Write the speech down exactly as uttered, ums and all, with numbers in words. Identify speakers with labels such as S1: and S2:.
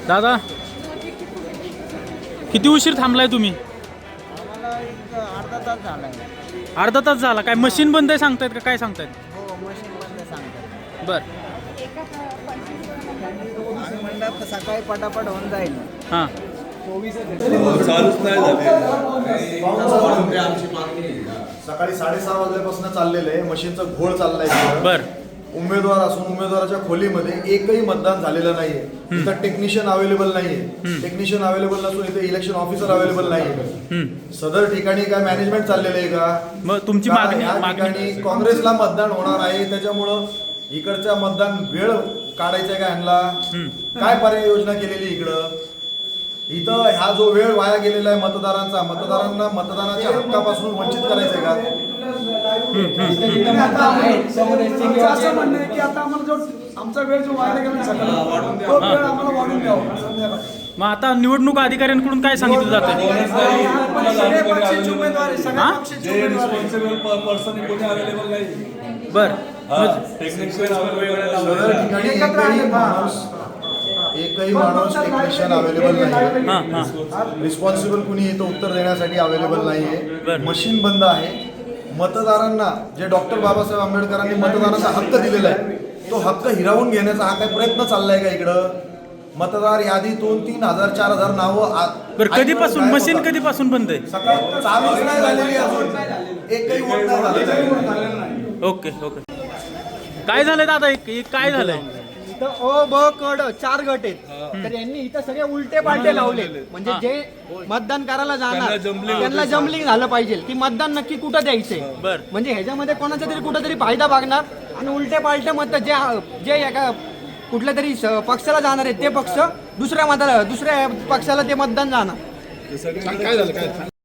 S1: दादा किती उशीर थांबलाय तुम्ही?
S2: आम्हाला एक अर्धा तास झाला आहे.
S1: अर्धा तास झाला. काय मशीन बंद आहे सांगतायत का काय सांगतायत?
S2: हो, मशीन बंद सांगतात.
S1: बर
S2: आम्ही म्हणलं तर सकाळी पटापट होऊन जाईल.
S1: हां
S3: चालूच नाही झाले.
S4: सकाळी साडेसहा वाजल्यापासून चाललेलं आहे. मशीनचं घोळ चाललाय.
S1: बर
S4: उमेदवार असून उमेदवाराच्या खोलीमध्ये एकही मतदान झालेलं नाहीये. इथं टेक्निशियन अवेलेबल नाहीये. टेक्निशियन अवेलेबल नसून इथे इलेक्शन ऑफिसर अवेलेबल नाहीये. सदर ठिकाणी काय मॅनेजमेंट चाललेलं आहे का?
S1: मग तुमची
S4: का
S1: मागणी
S4: या
S1: मागणी
S4: ठिकाणी काँग्रेसला मतदान होणार आहे, त्याच्यामुळं इकडच्या मतदान वेळ काढायचा का ह्यांना? काय पर्याय योजना केलेली इकडं? इथं ह्या जो वेळ वाया गेलेला आहे मतदारांचा, मतदारांना मतदानाच्या हक्कापासून वंचित करायचंय का?
S5: असं म्हणणं आहे की आता आम्हाला जो आमचा वेळ जो वाया गेला सकाळी तो वेळ आम्हाला वाढून द्यावा संध्याकाळी.
S1: मग आता निवडणूक अधिकाऱ्यांकडून काय सांगितलं जातं?
S5: सगळे पक्षाचे उमेदवार आहे, सगळ्या पक्षाचे
S3: जे
S5: उमेदवार आहे.
S3: रिस्पॉन्सिबल पर्सन कोणी अवेलेबल नाही.
S1: बर
S3: टेक्निशियन अवेलेबल
S4: सदर ठिकाणी
S5: एकत्र
S4: एकही
S5: आहे.
S4: माणूस एकही माणूस टेक्निशियन अवेलेबल नाही.
S1: हां हां
S4: रिस्पॉन्सिबल कुणी इथं उत्तर देण्यासाठी अवेलेबल नाहीये. मशीन बंद आहे. मतदारांना जे डॉक्टर बाबासाहेब आंबेडकरांनी मतदानाचा हक्क दिलेला आहे, तो हक्क हिरावून घेण्याचा हा काय प्रयत्न चाललाय का इकडं? मतदार यादीतून तीन हजार चार हजार नावं आ-
S1: बर कधीपासून
S4: गायब
S1: मशीन
S4: होतात.
S1: कधीपासून बंद आहे?
S4: सकाळ चालूच नाही झालेली अजून. एकही वोट नाही झालेलं आहे.
S1: Okay okay. काय झालंय दादा? एक एक काय झालंय?
S6: इथं अ ब क ड चार गट आहेत. तर यांनी इथं सगळे उलटे पालटे लावले. म्हणजे जे मतदान करायला जाणार त्यांना जमलिंग झालं पाहिजे की मतदान नक्की कुठं द्यायचंय.
S1: बर
S6: म्हणजे ह्याच्यामध्ये कोणाचा तरी कुठं तरी फायदा बघणार आणि उलटे पालटे मत जे जे एका कुठल्या तरी स- पक्षाला जाणार आहेत ते पक्ष दुसऱ्या मताला दुसऱ्या पक्षाला ते मतदान जाणार.